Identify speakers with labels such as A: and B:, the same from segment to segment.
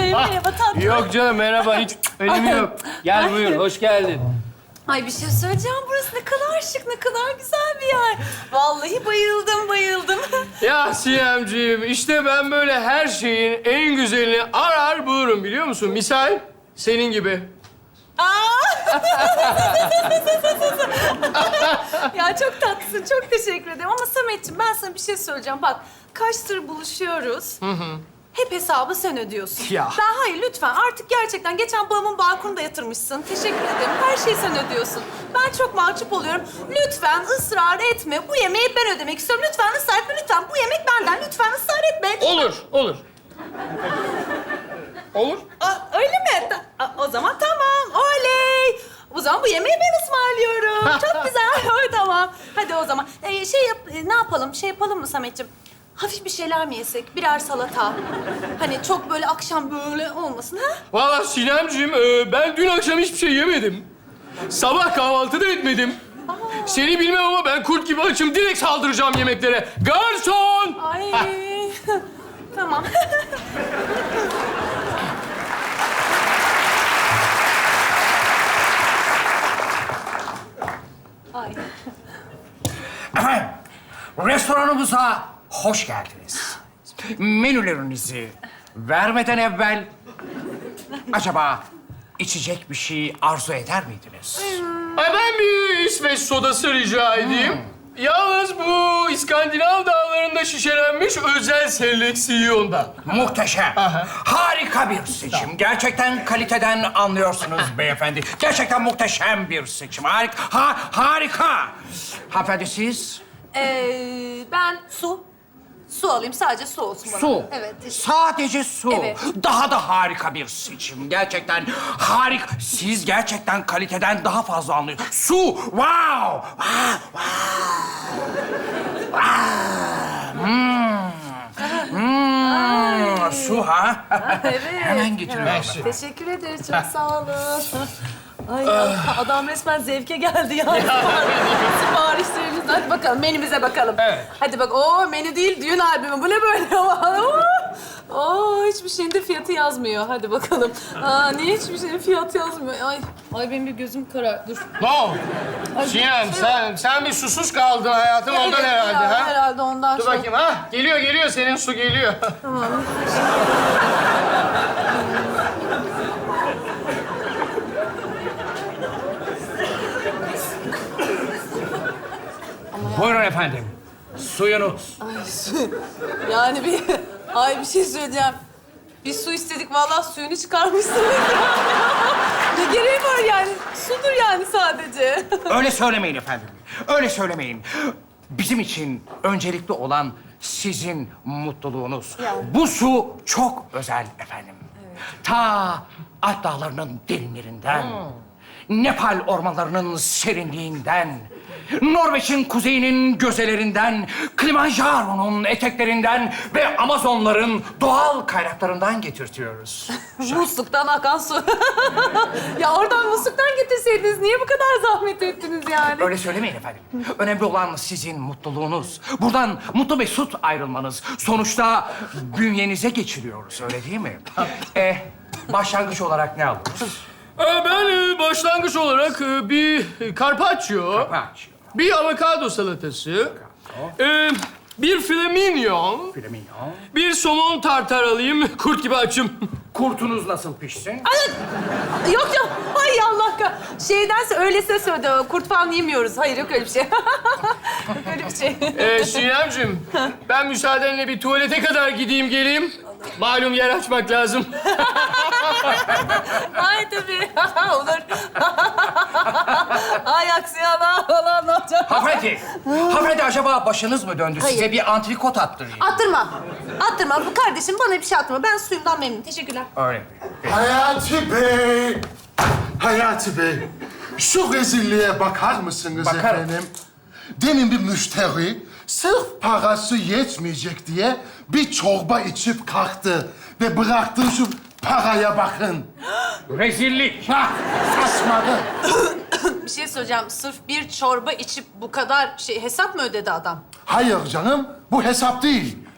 A: Merhaba tatlım.
B: Yok canım merhaba hiç önemi yok. Gel buyur hoş geldin.
A: Ay bir şey söyleyeceğim. Burası ne kadar şık, ne kadar güzel bir yer. Vallahi bayıldım, bayıldım.
B: Ya Siyemciğim işte ben böyle her şeyin en güzelini arar bulurum biliyor musun? Misal senin gibi.
A: Ya çok tatlısın, çok teşekkür ederim. Ama Sametciğim ben sana bir şey söyleyeceğim. Bak kaçtır buluşuyoruz. Hep hesabı sen ödüyorsun.
B: Ya.
A: Ben hayır lütfen artık gerçekten geçen babamın balkonuna da yatırmışsın. Teşekkür ederim. Her şeyi sen ödüyorsun. Ben çok mahcup oluyorum. Lütfen ısrar etme. Bu yemeği ben ödemek istiyorum. Lütfen ısrar etme. Lütfen bu yemek benden. Lütfen ısrar etme.
B: Olur, olur. Olur.
A: Öyle mi? O zaman tamam. Oley. O zaman bu yemeği ben ısmarlıyorum. Çok güzel. Tamam. Hadi o zaman. Ne yapalım? Şey yapalım mı Sametciğim? Hafif bir şeyler mi yesek? Birer salata. Hani çok böyle akşam böyle olmasın ha?
B: Vallahi Sinemciğim ben dün akşam hiçbir şey yemedim. Sabah kahvaltı da etmedim. Seni bilmem ama ben kurt gibi açım. Direkt saldıracağım yemeklere. Garson!
A: Ay. Tamam. Ay.
C: Efendim, restoranımıza hoş geldiniz. Menülerinizi vermeden evvel acaba içecek bir şey arzu eder miydiniz?
B: Ay ben bir İsveç sodası rica edeyim. Yalnız bu İskandinav dağlarında şişelenmiş özel seleksiyonda.
C: Muhteşem. Harika bir seçim. Gerçekten kaliteden anlıyorsunuz beyefendi. Gerçekten muhteşem bir seçim. Harika. Hanımefendi siz?
A: Ben su. Su alayım. Sadece su olsun bana.
C: Su.
A: Evet. teşekkür-
C: Sadece su.
A: Evet.
C: Daha da harika bir seçim. Gerçekten harika. Siz gerçekten kaliteden daha fazla anlıyorsunuz. Su. Wow. Wow. Wow. Su ha?
A: Evet.
C: Hemen getiriyorum.
A: Teşekkür ederiz. Çok sağ olun. Ay ya, adam resmen zevke geldi ya. Siparişlerimiz. Hadi bakalım menümüze bakalım.
B: Evet.
A: Hadi bak. Menü değil düğün albümü. Bu ne böyle? Hiçbir şeyin de fiyatı yazmıyor. Hadi bakalım. Niye hiçbir şeyin fiyatı yazmıyor? Ay benim bir gözüm karar. Dur.
B: Ne oldu? Sinem sen bir susuz kaldın hayatım ondan herhalde
A: ya,
B: ha?
A: Herhalde ondan.
B: Dur bakayım ha. Geliyor senin su geliyor.
C: Buyurun efendim. Suyunuz.
A: Yani bir şey söyleyeceğim. Bir su istedik, vallahi suyunu çıkarmışsınız. Ne gereği var yani? Sudur yani sadece.
C: Öyle söylemeyin efendim. Öyle söylemeyin. Bizim için öncelikli olan sizin mutluluğunuz.
A: Ya.
C: Bu su çok özel efendim. Ta Alp dağlarının derinlerinden, Nepal ormanlarının serinliğinden, Norveç'in kuzeyinin gözelerinden, Kilimanjaro'nun eteklerinden ve Amazonların doğal kaynaklarından getirtiyoruz.
A: Musluktan akan su. Ya oradan musluktan getirseydiniz niye bu kadar zahmet ettiniz yani?
C: Öyle söylemeyin efendim. Önemli olan sizin mutluluğunuz. Buradan mutlu mesut ayrılmanız. Sonuçta bünyenize geçiriyoruz, öyle değil mi? Başlangıç olarak ne alırız?
B: Ben başlangıç olarak bir carpaccio, bir avokado salatası, bir filet mignon, bir somon tartar alayım. Kurt gibi açım.
C: Kurtunuz nasıl pişsin?
A: Yok. Hay Allah şeydense öylesine söyledi. Kurt falan yemiyoruz. Hayır yok öyle bir şey. Yok öyle bir şey.
B: Sinemciğim, ben müsaadenle bir tuvalete kadar gideyim geleyim. Malum yer açmak lazım.
A: Ay tabii. Olur. Ay aksi Allah falan ne olacak?
C: Hanımefendi acaba başınız mı döndü?
A: Hayır.
C: Size bir antrikot attırayım.
A: Attırma. Bu kardeşim bana bir şey attırma. Ben suyumdan memnunum. Teşekkürler.
C: Öyle.
D: Hayati Bey! Hayati Bey! Şu rezilliğe bakar mısınız
C: Bakarım.
D: efendim? Demin bir müşteri sırf parası yetmeyecek diye bir çorba içip kalktı. Ve bıraktığı şu paraya bakın.
C: Rezillik.
D: Saçmadı.
A: Bir şey söyleyeceğim. Sırf bir çorba içip bu kadar hesap mı ödedi adam?
D: Hayır canım, bu hesap değil.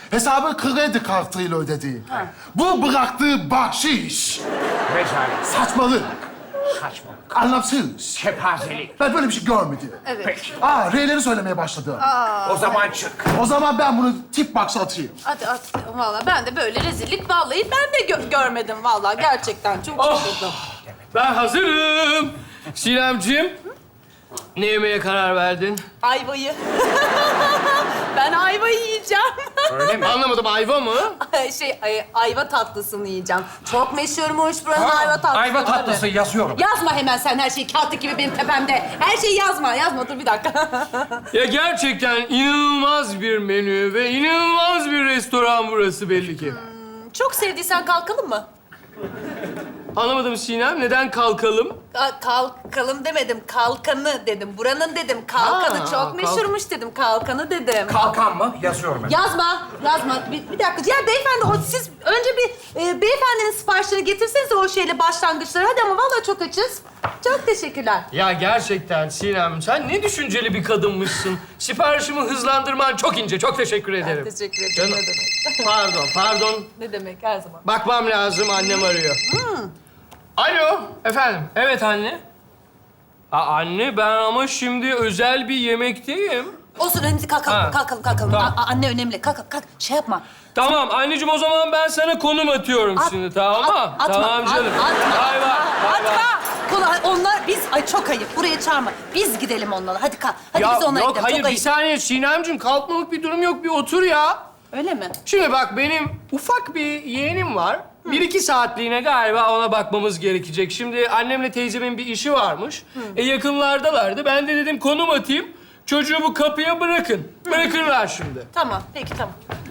D: Hesabı kredi kartıyla ödedi. Bu bıraktığı bahşiş.
C: Rezalet,
D: Saçmalık,
C: saçmalık,
D: anlamsız.
C: kepazelik.
D: Ben böyle bir şey görmedim.
A: Evet.
C: Peki,
D: R'leri söylemeye başladı.
C: o zaman çık.
D: O zaman ben bunu tip box'a atayım.
A: Hadi at. Vallahi ben de böyle rezillik vallahi ben de görmedim vallahi gerçekten çok şaşırdım.
B: Ben hazırım. Sinemciğim, ne yemeye karar verdin?
A: Ayvayı. Ben ayvayı yiyeceğim.
C: Öyle mi?
B: Anlamadım, ayva mı?
A: Ayva tatlısını yiyeceğim. Çok meşhurmuş buranın ayva tatlısı.
C: Ayva tatlısı yazıyorum.
A: Yazma hemen sen her şeyi kağıt gibi benim tepemde. Her şeyi yazma. Yazma dur bir dakika.
B: Ya gerçekten inanılmaz bir menü ve inanılmaz bir restoran burası belli ki.
A: Çok sevdiysen kalkalım mı?
B: Anlamadım Sinem, neden kalkalım?
A: Kalkalım demedim. Kalkanı dedim. Buranın dedim. Kalkanı çok
B: kalk-
A: meşhurmuş dedim. Kalkanı dedim.
C: Kalkan mı? Yazıyorum ben.
A: Yazma. Bir dakika. Ya beyefendi siz önce bir beyefendinin siparişleri getirsenize o şeyle başlangıçları. Hadi ama vallahi çok açız. Çok teşekkürler.
B: Ya gerçekten Sinem, sen ne düşünceli bir kadınmışsın. Siparişimi hızlandırman çok ince, çok teşekkür ederim.
A: Teşekkür ederim.
B: Canım.
A: Ne demek?
B: Pardon.
A: Ne demek her zaman.
B: Bakmam lazım, annem arıyor. Alo, efendim. Evet anne. Anne, ben ama şimdi özel bir yemekteyim.
A: Olsun önemli kalkalım.
B: Ha.
A: Kalkalım.
B: Tamam.
A: Anne önemli. Kalk. Şey yapma.
B: Tamam anneciğim, o zaman ben sana konum atıyorum şimdi, tamam mı?
A: Atma.
B: Tamam canım.
A: Atma.
B: Bay bay.
A: Atma. Onlar biz çok ayıp. Buraya çağırma. Biz gidelim onlarla. Hadi kalk. Hadi
B: Ya
A: biz onlara
B: yok,
A: gidelim.
B: hayır
A: Çok
B: bir
A: ayıp.
B: saniye Sinemciğim, kalkmalık bir durum yok, bir otur ya.
A: Öyle mi?
B: Şimdi bak, benim ufak bir yeğenim var. 1-2 saatliğine galiba ona bakmamız gerekecek. Şimdi annemle teyzemin bir işi varmış. Yakınlardalardı. Ben de dedim konum atayım. Çocuğu bu kapıya bırakın. Bırakırlar şimdi.
A: Tamam. Peki tamam.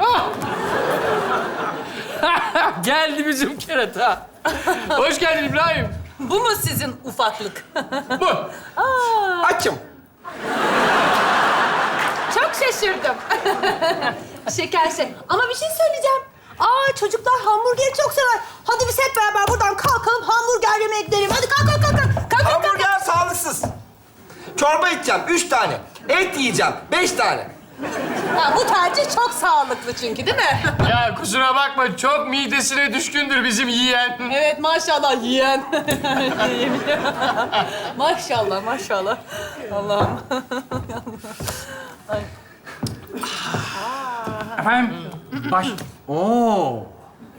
B: Ah! Geldi bizim kerata. Hoş geldin İbrahim.
A: Bu mu sizin ufaklık?
B: Bu.
E: Açım.
A: Çok şaşırdım. Şeker şey. Ama bir şey söyleyeceğim. Çocuklar hamburgeri çok sever. Hadi biz hep beraber buradan kalkalım hamburger yemeye gidelim. Hadi kalk.
E: Hamburger sağlıksız. Çorba içeceğim 3 tane. Et yiyeceğim 5 tane.
A: Bu tercih çok sağlıklı çünkü değil mi?
B: Ya kusura bakma, çok midesine düşkündür bizim yiyen.
A: Evet maşallah yiyen. Maşallah. Allah'ım.
C: Efendim, Oo.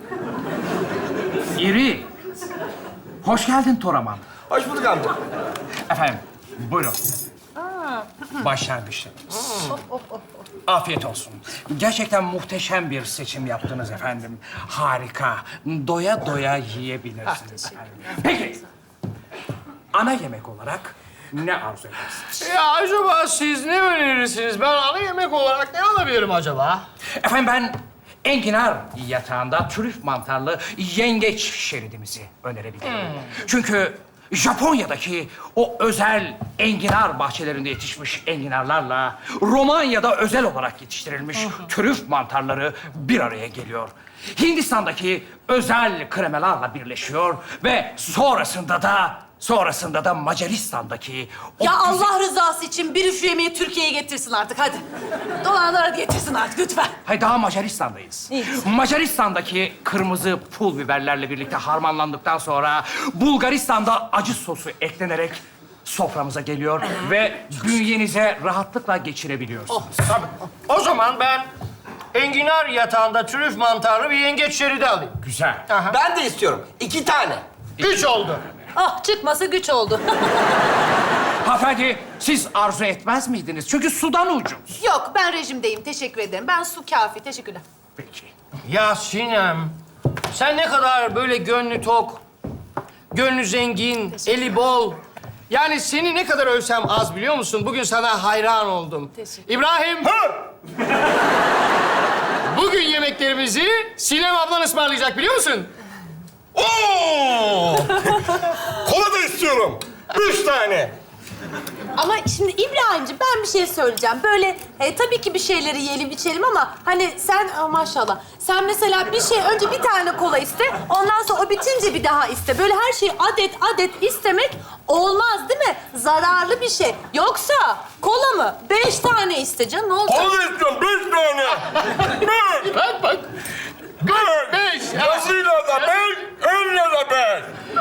C: İri. Hoş geldin Toraman.
E: Hoş bulduk amca.
C: Efendim, buyurun. Başlangıçlarınız. Afiyet olsun. Gerçekten muhteşem bir seçim yaptınız efendim. Harika. Doya doya yiyebilirsiniz efendim. Peki, ana yemek olarak ne arzu edersiniz?
B: Ya acaba siz ne önerirsiniz? Ben ana yemek olarak ne alabilirim acaba?
C: Efendim ben enginar yatağında trüf mantarlı yengeç şeridimizi önerebilirim. Çünkü Japonya'daki o özel enginar bahçelerinde yetişmiş enginarlarla Romanya'da özel olarak yetiştirilmiş trüf mantarları bir araya geliyor. Hindistan'daki özel kremelarla birleşiyor ve sonrasında da Macaristan'daki o
A: Ya
C: güzel-
A: Allah rızası için biri şu yemeği Türkiye'ye getirsin artık hadi. Dolanlara getirsin artık lütfen.
C: Hayır, daha Macaristan'dayız.
A: İyi.
C: Macaristan'daki kırmızı pul biberlerle birlikte harmanlandıktan sonra Bulgaristan'da acı sosu eklenerek soframıza geliyor ve bünyenize rahatlıkla geçirebiliyorsunuz.
B: Tabii. O zaman ben enginar yatağında trüf mantarlı bir yengeç şeridi alayım.
C: Güzel.
E: Ben de istiyorum 2 tane.
B: 3 oldu.
A: Çıkması güç oldu.
C: Hanımefendi, siz arzu etmez miydiniz? Çünkü sudan ucuz.
A: Yok ben rejimdeyim teşekkür ederim. Ben su kafi teşekkürler.
C: Peki.
B: Ya Sinem, sen ne kadar böyle gönlü tok, gönlü zengin, eli bol. Yani seni ne kadar övsem az biliyor musun? Bugün sana hayran oldum.
A: Teşekkür.
B: İbrahim. Bugün yemeklerimizi Sinem ablan ısmarlayacak biliyor musun?
E: Oo! Kola da istiyorum. 3 tane.
A: Ama şimdi İbrahimciğim ben bir şey söyleyeceğim. Böyle tabii ki bir şeyleri yiyelim içelim ama hani sen maşallah. Sen mesela bir şey önce bir tane kola iste. Ondan sonra o bitince bir daha iste. Böyle her şeyi adet adet istemek olmaz değil mi? Zararlı bir şey. Yoksa kola mı? 5 tane iste canım ne olacak?
E: Kola istiyorum 5 tane.
B: Bak bak. Beş.
E: Yazıyla da 5, elle de 5.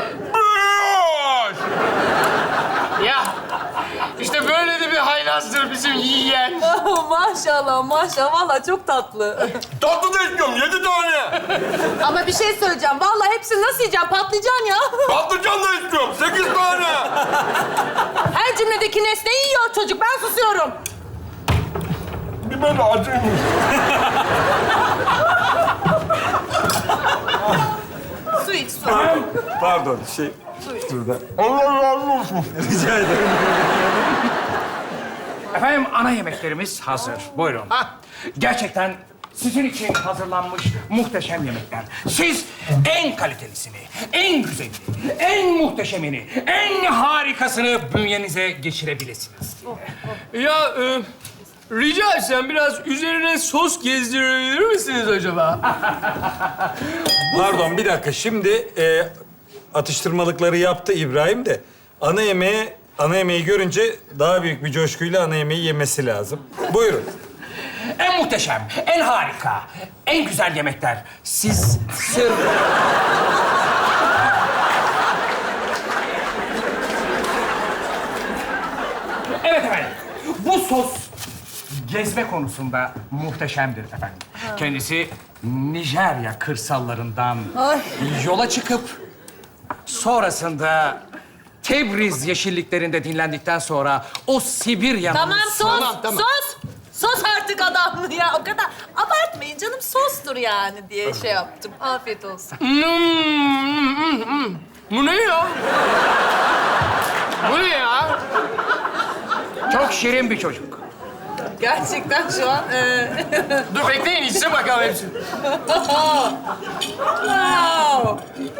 E: 5.
B: Ya işte böyle de bir haylazdır bizim yiyen.
A: Maşallah maşallah. Vallahi çok tatlı.
E: Tatlı da istiyorum 7 tane.
A: Ama bir şey söyleyeceğim. Vallahi hepsini nasıl yiyeceğim? Patlıcan ya.
E: Patlıcan da istiyorum 8 tane.
A: Her cümledeki nesneyi yiyor çocuk. Ben susuyorum.
E: Biber de acıymış.
A: Su iç su.
E: Pardon şurada. Allah razı olsun. Rica ederim.
C: Efendim ana yemeklerimiz hazır. Buyurun. Gerçekten sizin için hazırlanmış muhteşem yemekler. Siz en kalitelisini, en güzelini, en muhteşemini, en harikasını bünyenize geçirebilirsiniz.
B: Ya rica etsem biraz üzerine sos gezdirebilir misiniz acaba?
F: Pardon bir dakika. Şimdi atıştırmalıkları yaptı İbrahim de ana yemeği görünce daha büyük bir coşkuyla ana yemeği yemesi lazım. Buyurun.
C: En muhteşem, en harika, en güzel yemekler. Siz sır... Evet efendim. Bu sos gezme konusunda muhteşemdir efendim. Kendisi Nijerya kırsallarından yola çıkıp sonrasında Tebriz yeşilliklerinde dinlendikten sonra o Sibirya'nın...
A: Tamam sos.
B: Tamam.
A: Sos. Sos artık adam ya. O kadar abartmayın canım. Sostur yani diye şey yaptım. Afiyet olsun.
B: Bu ne ya? Bu ne ya?
C: Çok şirin bir çocuk.
A: Gerçekten şu an...
B: Dur bekleyin içsin bakalım hepsini.
A: Wow.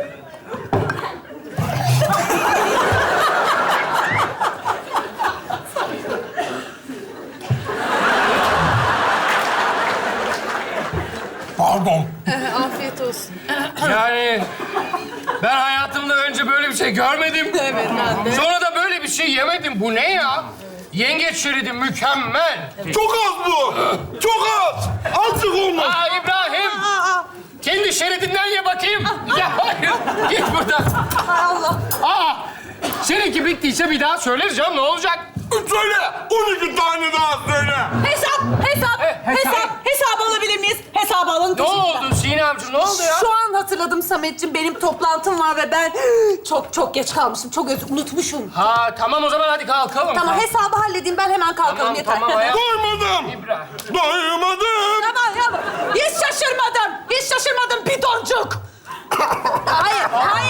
E: Pardon.
A: Afiyet olsun.
B: Yani ben hayatımda önce böyle bir şey görmedim.
A: Evet ben de.
B: Sonra da böyle bir şey yemedim. Bu ne ya? Yengeç şeridi mükemmel.
E: Çok az bu. Çok az. Azıcık olmuş.
B: Aa İbrahim. Kendi şeridinden ye bakayım. Ya hayır. Git buradan.
A: Allah.
B: Aa. Seninki bittiyse bir daha söyleriz canım. Ne olacak?
E: Söyle. 12 tane daha söyle.
A: Hesap alabilir miyiz? Hesabı alın.
B: Ne oldu Sinemciğim? Ne oldu ya?
A: Şu an hatırladım Sametciğim. Benim toplantım var ve ben çok geç kalmışım. Çok unutmuşum.
B: Ha tamam o zaman hadi kalkalım.
A: Tamam hesabı halledeyim. Ben hemen kalkalım
B: Tamam,
A: yeter.
B: tamam, hayatım.
E: Doymadım.
B: İbrahim.
E: Doymadım.
A: Tamam. Hiç şaşırmadım bidoncuk. Hayır.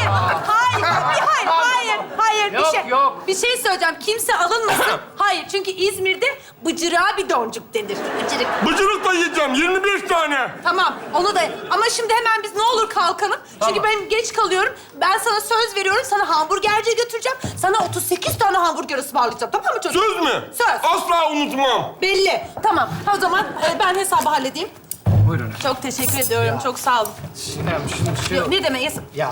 B: Yok.
A: Bir şey söyleyeceğim. Kimse alınmasın. Hayır, çünkü İzmir'de bıcırığa bidoncuk denir. Bıcırık.
E: Bıcırık da yiyeceğim 25 tane.
A: Tamam, onu da... Ama şimdi hemen biz ne olur kalkalım. Çünkü ben geç kalıyorum. Ben sana söz veriyorum. Sana hamburgerciye götüreceğim. Sana 38 tane hamburger ısmarlayacağım. Tamam mı çocuk?
E: Söz mü?
A: Söz.
E: Asla unutmam.
A: Belli. Tamam. O zaman ben hesabı halledeyim.
C: Buyurun.
A: Çok teşekkür ediyorum. Çok sağ olun.
B: Sinem şimdi şey...
A: Ne demek?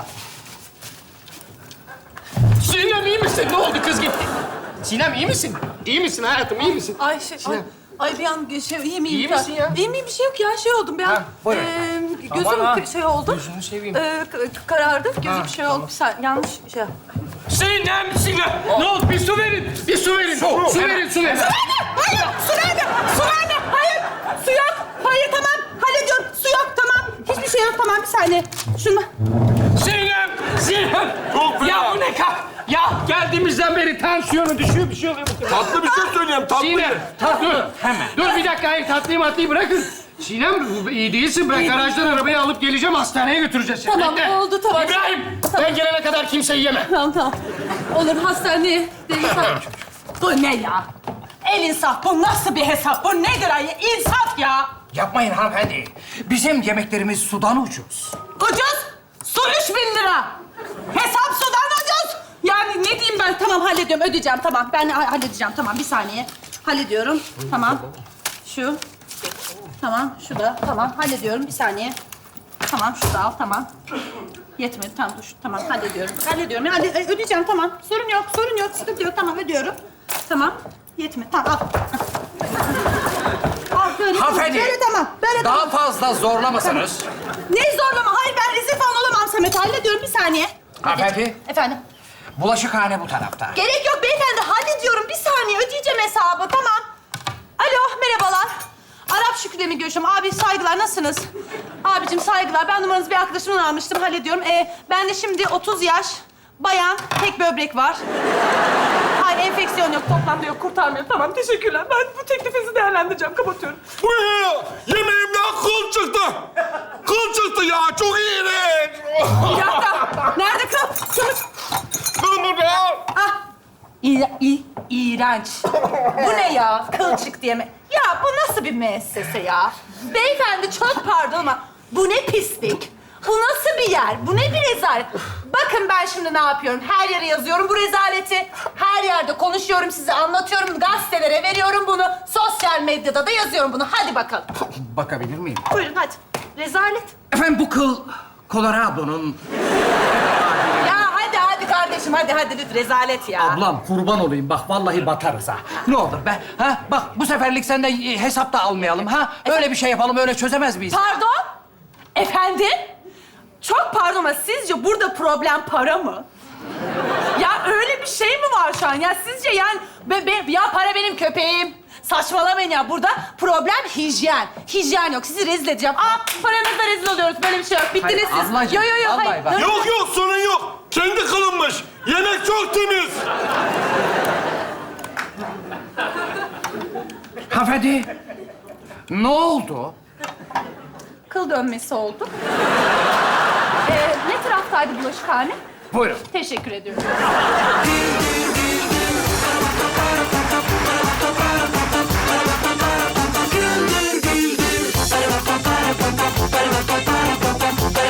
B: Sinem iyi misin? Ne oldu kız gitti? Sinem iyi misin? İyi misin hayatım? İyi misin?
A: Ay ay bir an iyi miyim?
B: İyi misin ya?
A: İyi miyim? Bir şey yok ya. Şey oldum bir an.
C: buyurun.
A: Gözüm
B: Aman ha.
A: şey oldu.
B: Gözünü seveyim.
A: Karardı. Gözüm şey oldu. Sen yanlış şey.
B: Sinem! Ne oldu? Bir su verin. Bir su verin. Su verin.
A: Hayır, su nerede? Hayır, su yok. Hayır, tamam. Hallediyorum. Su yok, tamam. Hiçbir şey yok, tamam. Bir saniye. Şunu.
B: Sinem!
E: Çok fena.
B: Ya bu ne kah? Ya geldiğimizden beri tansiyonu düşüyor, bir şey oluyor bu kız.
E: Tatlı bir şey söyleyeyim. Tatlı.
B: Sinem, dur.
C: Hemen.
B: Dur bir dakika, hayır tatlıyı bırakın. Sinem, bu iyi değilsin. Ben garajdan arabayı alıp geleceğim, hastaneye götüreceğiz seni.
A: Tamam,
B: Bekle.
A: oldu, tamam.
B: İbrahim, ben gelene kadar kimseyi yeme.
A: Tamam. Olur, hastaneye. Bu ne ya? El insaf. Bu nasıl bir hesap? Bu nedir ay? İnsaf ya.
C: Yapmayın hanımefendi. Bizim yemeklerimiz sudan ucuz.
A: Ucuz. Su 3.000 lira. Hesap sudan ucuz. Yani ne diyeyim ben? Tamam hallediyorum, ödeyeceğim. Tamam, ben halledeceğim. Tamam, bir saniye. Hallediyorum. Tamam. Şu. Tamam, şu da. Tamam, hallediyorum. Bir saniye. Tamam, şu da al. Tamam. Yetmedi. Tamam, dur. Tamam, hallediyorum. Hallediyorum. Ödeyeceğim. Tamam. Sorun yok, sorun yok. Sıkıntı yok. Tamam, ödüyorum. Tamam. Yetmedi. Tamam, al. Al, böyle.
C: Hanımefendi.
A: Böyle tamam. Böyle tamam.
C: Daha fazla zorlamasanız.
A: Ne zorlama? Hayır, ben rezil falan olamam Samet. Hallediyorum. Bir saniye.
C: Hanımefendi.
A: Efendim?
C: Bulaşıkhane bu tarafta.
A: Gerek yok beyefendi. Hallediyorum. Bir saniye. Ödeyeceğim hesabı. Tamam. Alo, merhabalar. Arap Şükrü'yle mi görüşüyorum? Abi saygılar, nasılsınız? Abicim saygılar. Ben numaranızı bir arkadaşımdan almıştım. Hallediyorum. Ben de şimdi 30 yaş, bayan, tek böbrek var. Hayır, enfeksiyon yok, toplantı yok, kurtarmıyor. Tamam, teşekkürler. Ben bu teklifinizi değerlendireceğim. Kapatıyorum.
G: Bu ne ya? Yemeğimden kıl çıktı. Kıl çıktı ya. Çok iğrenç.
A: Bir dakika. Nerede kıl? Kılıç.
G: Kıl burada.
A: Ah! İğrenç. Bu ne ya? Kılçık diye mi? Ya bu nasıl bir müessese ya? Beyefendi çok pardon ama bu ne pislik? Bu nasıl bir yer? Bu ne bir rezalet? Bakın ben şimdi ne yapıyorum? Her yere yazıyorum bu rezaleti. Her yerde konuşuyorum, size anlatıyorum. Gazetelere veriyorum bunu. Sosyal medyada da yazıyorum bunu. Hadi bakalım.
C: Bakabilir miyim?
A: Buyurun hadi. Rezalet.
C: Efendim bu kıl Colorado'nun...
A: Ya hadi kardeşim. Hadi lütfen. Rezalet ya.
C: Ablam kurban olayım bak vallahi batarız ha. Ne olur be. Ha bak bu seferlik senden hesap da almayalım ha. Öyle bir şey yapalım öyle çözemez miyiz?
A: Pardon? Efendim? Çok pardon ama sizce burada problem para mı? Ya öyle bir şey mi var şu an? Ya sizce yani... ya para benim köpeğim. Saçmalamayın ya. Burada problem hijyen. Hijyen yok. Sizi rezil edeceğim. Paranızla rezil oluyoruz. Böyle bir şey yok. Bittiniz
C: Hayır,
A: siz.
C: ablacığım,
A: Yo,
C: vallahi
A: hayır.
C: bak.
G: Yok yok sorun yok. Kendi kılınmış. Yemek çok temiz.
C: Hanımefendi. Ne oldu?
A: Kıl dönmesi oldu. Ne taraftaydı bulaşıkhane?
C: Buyurun.
A: Teşekkür ediyorum.